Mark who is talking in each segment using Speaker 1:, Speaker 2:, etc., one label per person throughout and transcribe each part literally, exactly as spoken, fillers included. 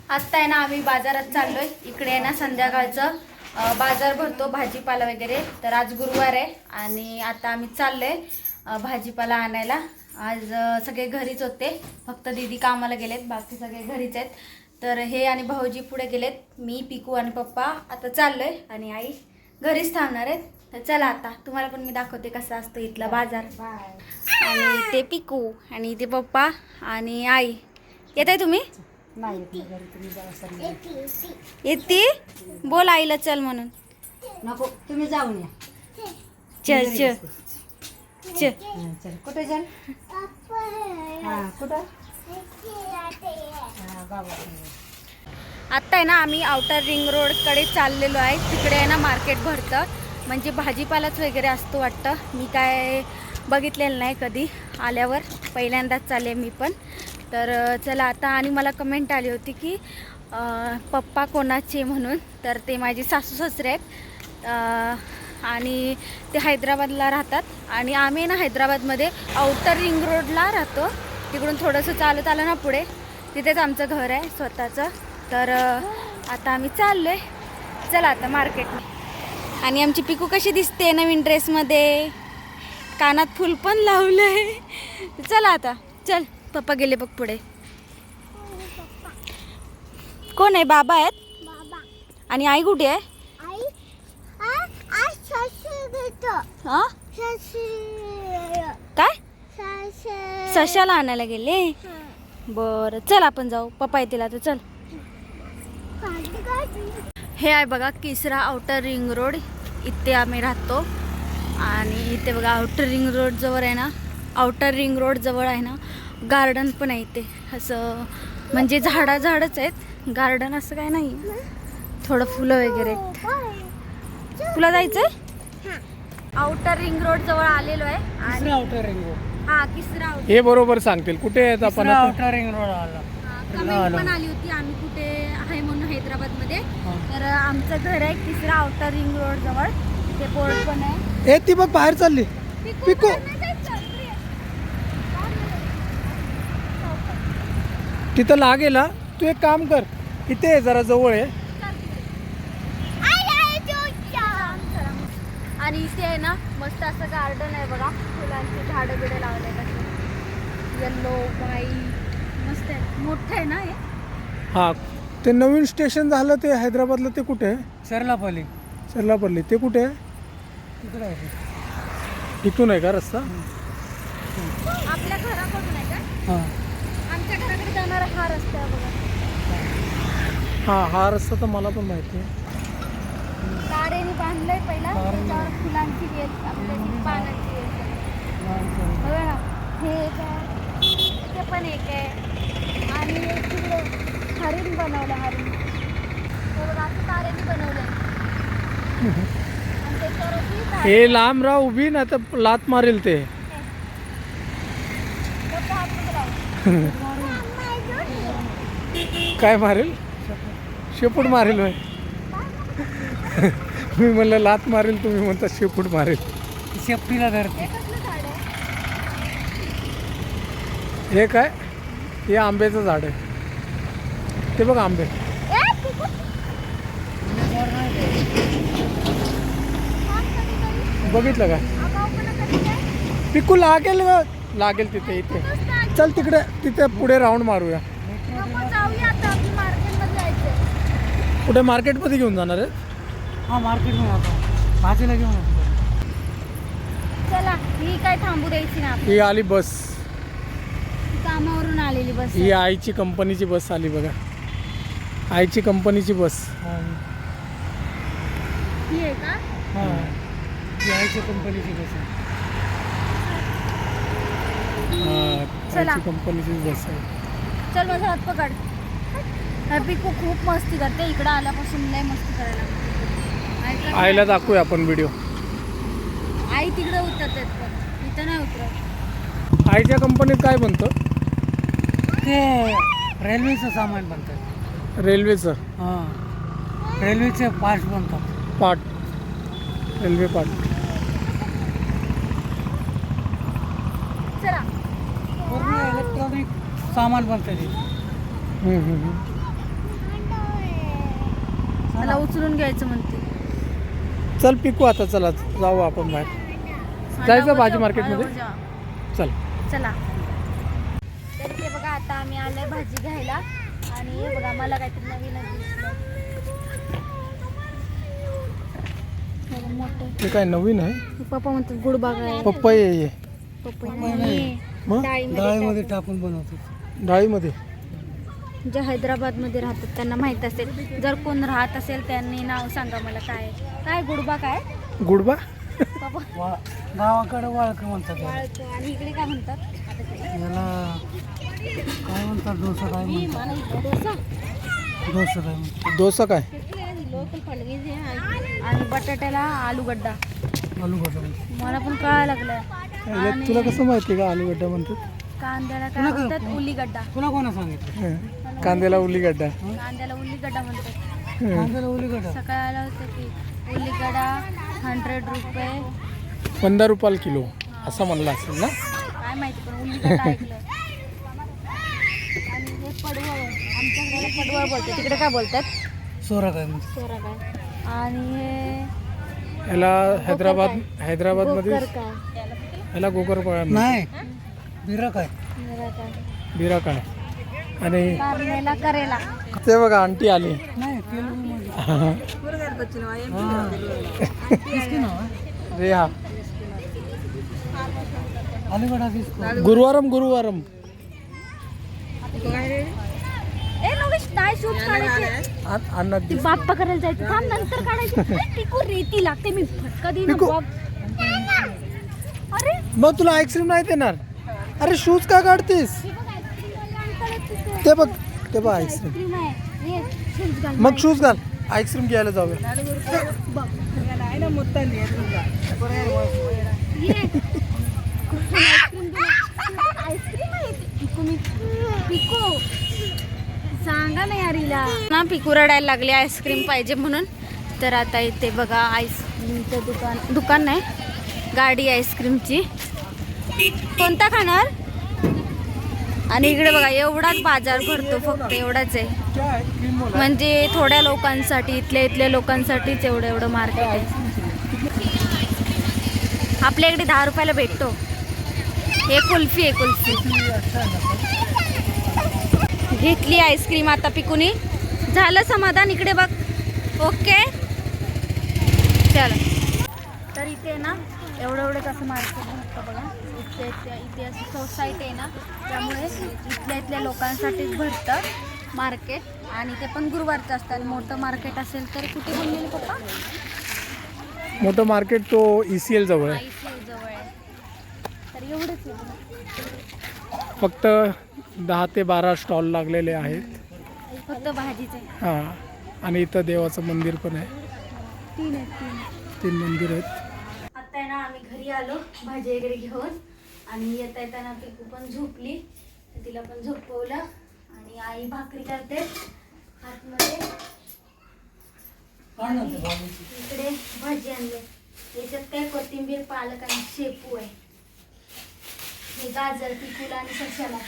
Speaker 1: आत्ता आहे ना आम्ही बाजारात चाललोय. इकडे आहे ना संध्याकाळचं बाजार भरतो भाजीपाला वगैरे. तर आज गुरुवार आहे आणि आता आम्ही चाललोय भाजीपाला आणायला. आज सगळे घरीच होते, फक्त दीदी कामाला गेलेत, बाकी सगळे घरीच आहेत. तर हे आणि भाऊजी पुढे गेलेत, मी पिकू आणि पप्पा आता चाललोय आणि आई घरीच थांबणार आहेत. तर चला आता तुम्हाला पण मी दाखवते कसा असतो इथला बाजार. आणि ते पिकू आणि ते पप्पा आणि आई येत आहे. तुम्ही येते बोल आईला चल म्हणून.
Speaker 2: नको तुम्ही जाऊन या.
Speaker 1: चल चल चल
Speaker 2: चल कुठे चल. हा कुठं.
Speaker 1: आत्ता आहे ना आम्ही आउटर रिंग रोडकडे चाललेलो आहे. तिकडे आहे ना मार्केट भरतं, म्हणजे भाजीपालाच वगैरे असतो वाटतं. मी काय बघितलेलं नाही कधी, आल्यावर पहिल्यांदाच चालले मी पण. तर चला आता. आणि मला कमेंट आली होती की पप्पा कोणाचे म्हणून. तर ते माझे सासू सासरे आहेत आणि ते हैदराबादला राहतात आणि आम्ही ना हैदराबादमध्ये आउटर रिंग रोडला राहतो. तिकडून थोडंसं चालत आलं ना पुढे, तिथेच आमचं घर आहे स्वतःचं. तर आता आम्ही चाललो आहे. चला आता मार्केटने. आणि आमची पिकू कशी दिसते नवीन ड्रेसमध्ये, कानात फुल पण लावलं आहे. चला आता चल. पप्पा गेले बघ पुढे. कोण आहे? बाबा आहेत. आणि आई कुठे आहे? हा काय सशाला आणायला गेले. बरं चल आपण जाऊ, पप्पा येतील आता. चल. हे आहे बघा किसरा आउटर रिंग रोड, इथे आम्ही राहतो. आणि इथे बघा आउटर रिंग रोड जवळ आहे ना, आउटर रिंग रोड जवळ आहे ना गार्डन पण आहे इथे. असं म्हणजे झाडा झाडच आहेत, गार्डन असं काय नाही. थोडं फुलं वगैरे. तुला जायचंय? आउटर रिंग रोड जवळ आलेलो आहे. आणि
Speaker 2: आउटर रिंग रोड.
Speaker 1: हा किसरा आउटर.
Speaker 3: हे बरोबर सांगतील कुठे आहेत आपण.
Speaker 2: आउटर रिंग रोड आला.
Speaker 1: कमेंट पण आली होती आम्ही कुठे आहे म्हणून हैदराबादमध्ये. तर आमचं घर आहे किसरा आउटर रिंग रोड जवळ. ते बोर्ड पण आहे.
Speaker 3: ए ती बघ बाहेर चालली. पिकू तिथं लागेल. तू एक काम कर, इथे आहे जरा जवळ आहे.
Speaker 1: आणि इथे आहे ना मस्त असं गार्डन आहे बघा, फुलांची झाडं बिडं लावले कसे, येल्लो व्हाईट मस्त आहे, मोठं आहे ना हे.
Speaker 3: हा ते नवीन स्टेशन झालं ते हैदराबादला, ते कुठे आहे?
Speaker 2: सरलापल्ली.
Speaker 3: सरलापल्ली ते कुठे आहे?
Speaker 2: तिकडे आहे.
Speaker 3: इथून आहे का रस्ता?
Speaker 1: आपल्या घराकडून आहे का?
Speaker 2: हां
Speaker 1: आमच्या घराकडे जाणारा हा रस्ता आहे बघा.
Speaker 3: हा हा रस्ता तर मला पण माहिती आहे.
Speaker 1: गाड्याने बांधलंय पहिला, त्याच्यावर फुलांची वेल, आपल्याची पानांची वेल बघा ना. हे एक आहे, ते पण एक आहे. आणि एक तिकडे हरिण बनवलं, हरिण हे बघा असं तारेने बनवलंय. आणि त्याच्यावर अशी झाडं-
Speaker 3: हे लांब राह उभी ना तर लात मारेल ते.
Speaker 1: गप्पा हात लावून.
Speaker 3: काय मारेल? शेपूट मारेल होय. मी म्हणलं लात मारेल, तुम्ही म्हणता शेपूट मारेल.
Speaker 2: शेपटीला धरते.
Speaker 1: हे कसलं झाड आहे?
Speaker 3: हे काय? हे आंब्याचं झाड आहे. ते बघ आंबे.
Speaker 1: ए, पिकू. थांब कधीतरी.
Speaker 3: बघितलं का?
Speaker 1: आगाऊपणा कधी काय?
Speaker 3: पिकू लागेल ग, लागेल तिथे. इथे चल तिकडे, तिथे पुढे राऊंड मारूया.
Speaker 1: नको जाऊया आता, आपली मार्केटमध्ये जायचंय.
Speaker 3: कुठे मार्केटमध्ये घेऊन जाणार आहे?
Speaker 2: हा मार्केटमध्ये आता भाजीला घेऊन येतो.
Speaker 1: चला, ही काय थांबू द्यायची ना आपली.
Speaker 3: ही आली बस.
Speaker 1: कामावरून आलेली बस.
Speaker 3: ही आईची कंपनीची बस आली बघा. आईची कंपनीची बस.
Speaker 1: ही आहे का?
Speaker 2: हां ती आईची कंपनीची बस आहे.
Speaker 3: हा,
Speaker 1: चला.
Speaker 3: आईची कंपनीची बस आहे.
Speaker 1: चल माझा हात पकड. पिकू खूप मस्ती करते, इकडं आल्यापासून लय मस्ती करायला लागली.
Speaker 3: आईला दाखवूया आपण व्हिडिओ.
Speaker 1: आई तिकडे उतरतात पण इथं नाही उतरत.
Speaker 3: आईच्या कंपनीत काय बनतं?
Speaker 2: ते रेल्वेचं सामान बनतं.
Speaker 3: रेल्वेचं.
Speaker 2: हां रेल्वेचे पार्ट बनतात.
Speaker 3: Part, railway part.
Speaker 1: चला.
Speaker 2: पूर्ण इलेक्ट्रॉनिक सामान बनतं ते.
Speaker 3: हम्म, हम्म, हम्म.
Speaker 1: त्याला उचलून घ्यायचं म्हणते.
Speaker 3: चल पिकू आता, चला जाऊ आपण बाहेर. जायचं भाजी मार्केटमध्ये, चल.
Speaker 1: चला. तर ते बघा आता आम्ही आलोय भाजी घ्यायला आणि हे बघा मला काहीतरी नवीनच दिसलं. हे मोठं
Speaker 3: ते काय नवीन आहे?
Speaker 1: पप्पा म्हणतात गुडबाग आहे.
Speaker 3: पपई आहे हे.
Speaker 1: पपई नाही.
Speaker 3: मग
Speaker 2: डाळीमध्ये टाकून बनवतो.
Speaker 3: डाळीमध्ये
Speaker 1: जे हैदराबादमध्ये राहतात त्यांना माहीत असेल. जर कोण राहत असेल त्यांनी नाव सांगा मला. काय काय गुडबा काय
Speaker 3: गुडबा?
Speaker 1: बाबा
Speaker 2: गावाकडे वाळक म्हणतात याला.
Speaker 1: वाळतो. आणि इकडे काय म्हणतात?
Speaker 2: याला काय म्हणतात, डोसा काय म्हणतात,
Speaker 1: डोसा.
Speaker 2: डोसा काय म्हणतात,
Speaker 3: डोसा काय?
Speaker 1: आणि बटाट्याला आलूगड्डा.
Speaker 2: आलूगड्डा.
Speaker 1: मला पण कळायला लागलं.
Speaker 3: याला तुला कसं माहिती का आलूगड्डा म्हणतात?
Speaker 1: कांद्याला काय म्हणतात? उल्लीगड्डा.
Speaker 2: तुला कोणा सांगितलं?
Speaker 3: हं. कांद्याला उल्लीगड्डा.
Speaker 1: कांद्याला उल्लीगड्डा म्हणतात.
Speaker 3: हं.
Speaker 2: कांद्याला उलीगड्डा.
Speaker 1: सकाळी आलं होतं की उल्लीगड्डा हंड्रेड रुपये
Speaker 3: पंधरा रुपयाला किलो असं म्हणलं असेल ना?
Speaker 1: काय माहिती, पण उल्लीगड्डा ऐकलं. आणि हे पडवळ, आमच्याकडे पडवळ बोलतात, तिकडे काय बोलतात?
Speaker 2: सोरा काय म्हणतात.
Speaker 1: सोरा काय. आणि हे
Speaker 3: याला हैदराबाद हैदराबादमध्ये
Speaker 1: गोकर काय.
Speaker 3: याला गोकर
Speaker 2: नाही, बिरा काय.
Speaker 1: मेरा काय.
Speaker 3: बिरा काय. आणि
Speaker 1: कारल्याला करेला.
Speaker 3: ते बघा आंटी आली.
Speaker 2: नाही, तेलुगूमध्ये.
Speaker 3: रे हा
Speaker 2: आलूगड्डा दिसतो.
Speaker 3: गुरुवारम गुरुवारम
Speaker 1: ए नवेश नाही शूट काढायचे.
Speaker 3: अन्नात
Speaker 1: ती बाप्पा करायला जायचं. थांब नंतर काढायचं. टिकू रेती लागते. मी फटका देईन
Speaker 3: पिकू.
Speaker 1: बघ. अरे
Speaker 3: मग तुला आईस्क्रीम नाही देणार. अरे शूज का काढतेस? ते बघ, ते बघ आईस्क्रीम.
Speaker 1: आईस्क्रीम आहे. ये, शूज घाल.
Speaker 3: मग शूज घाल, आईस्क्रीम घ्यायला जाऊया.
Speaker 1: ये. आईस्क्रीम दे. आईस्क्रीम आहे ती. पिकू मी पिकू सांगा ना यार हिला ना. पिकू रडायला लागली आईस्क्रीम पाहिजे म्हणून. तर आता इथे बघा आईस्क्रीमचं दुकान. दुकान नाही, गाडी आईस्क्रीमची. कोणता खाणार? आणि इकडे बघा एवढाच बाजार भरतो, फक्त एवढाच आहे. म्हणजे थोड्या लोकांसाठी, इथल्या इथल्या लोकांसाठीच एवढं एवढं मार्केट आहे. आपल्या इकडे दहा रुपयाला भेटतो. हे कुल्फी आहे, कुल्फी. घेतली आईस्क्रीम आता पिकूनी. झालं समाधान. इकडे बघ. ओके चल. तर इथे ना एवढं एवढंच असं मार्केट भरतं बघा. इथे इथे इथे असं सोसायटी आहे ना, त्यामुळे इथल्या इथल्या लोकांसाठीच भरतं मार्केट. आणि ते पण गुरुवारचं असतं. आणि मोठं मार्केट असेल तर कुठे बोललेले पप्पा?
Speaker 3: मोठं मार्केट तो ई सी एल जवळ आहे.
Speaker 1: आईसी जवळ आहे. तर एवढंच आहे.
Speaker 3: फक्त दहा ते बारा स्टॉल लागलेले आहेत.
Speaker 1: फक्त भाजीचे.
Speaker 3: हां. आणि इथं देवाचं मंदिर पण आहे.
Speaker 1: तीन आहेत, तीन.
Speaker 3: तीन मंदिर आहेत.
Speaker 1: आता आहे ना आम्ही घरी आलो भाजी वगैरे घेऊन. आणि येता येताना पिकू पण झोपली, तर तिला पण झोपवलं. आणि आई भाकरी करते आतमध्ये. इकडे भाजी आणले. याच्यात काय कोथिंबीर, पालक आणि शेपू आहे. हे गाजर पिकूला आणि सशाला.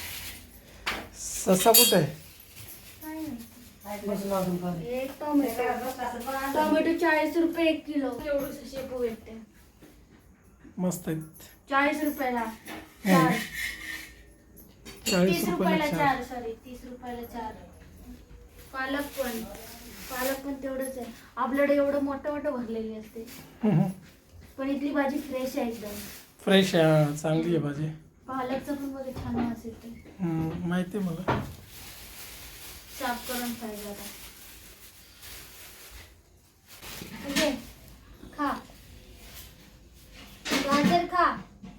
Speaker 3: ससा कुठे आहे?
Speaker 1: काय नाही. हे टोमॅटो. टोमॅटो चाळीस रुपये एक किलो. एवढं शेपू भेटते.
Speaker 3: मस्त आहेत.
Speaker 1: चाळीस रुपयाला चार.
Speaker 3: चाळीस
Speaker 1: तीस
Speaker 3: रुपयाला
Speaker 1: रुपयाला
Speaker 3: चार.
Speaker 1: चार. सॉरी तीस रुपयाला चार. पालक पण पालक पण तेवढंच आहे. आपल्याकडे एवढं मोठं मोठं भरलेली असते. पण इथली भाजी फ्रेश आहे एकदम.
Speaker 3: फ्रेश आहे. हां, चांगली आहे भाजी.
Speaker 1: पालकचं पण बघा छान वास येते.
Speaker 3: हम्म, माहिती आहे मला.
Speaker 1: साफ करून खायला आता. घे, खा. गाजर खा.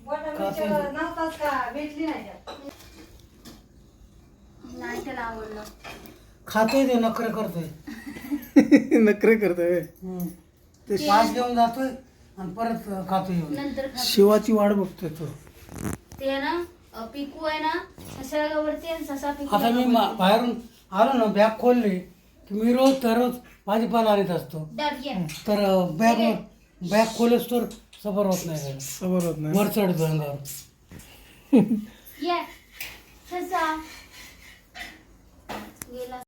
Speaker 1: नाही त्याला आवडलं.
Speaker 2: खातोय ते नखरे करतोय.
Speaker 3: नखरे करतोय.
Speaker 2: ते पास घेऊन जातोय आणि परत खातोय.
Speaker 1: नंतर खा.
Speaker 3: शिवाची वाट बघतोय तो.
Speaker 1: ते आहे ना अ, पिकू आहे ना सशावरती आणि ससा पिकू.
Speaker 2: आता मी मा- बाहेरून आलो ना, बॅग खोलली की मी रोज दररोज भाजीपाला आणत असतो.
Speaker 1: दाट घे.
Speaker 2: तर बॅग बॅग खोलच तर सफर होत नाही.
Speaker 3: सबर होत नाही.
Speaker 2: वर चढतो अंगावर.
Speaker 1: ये ससा गेला.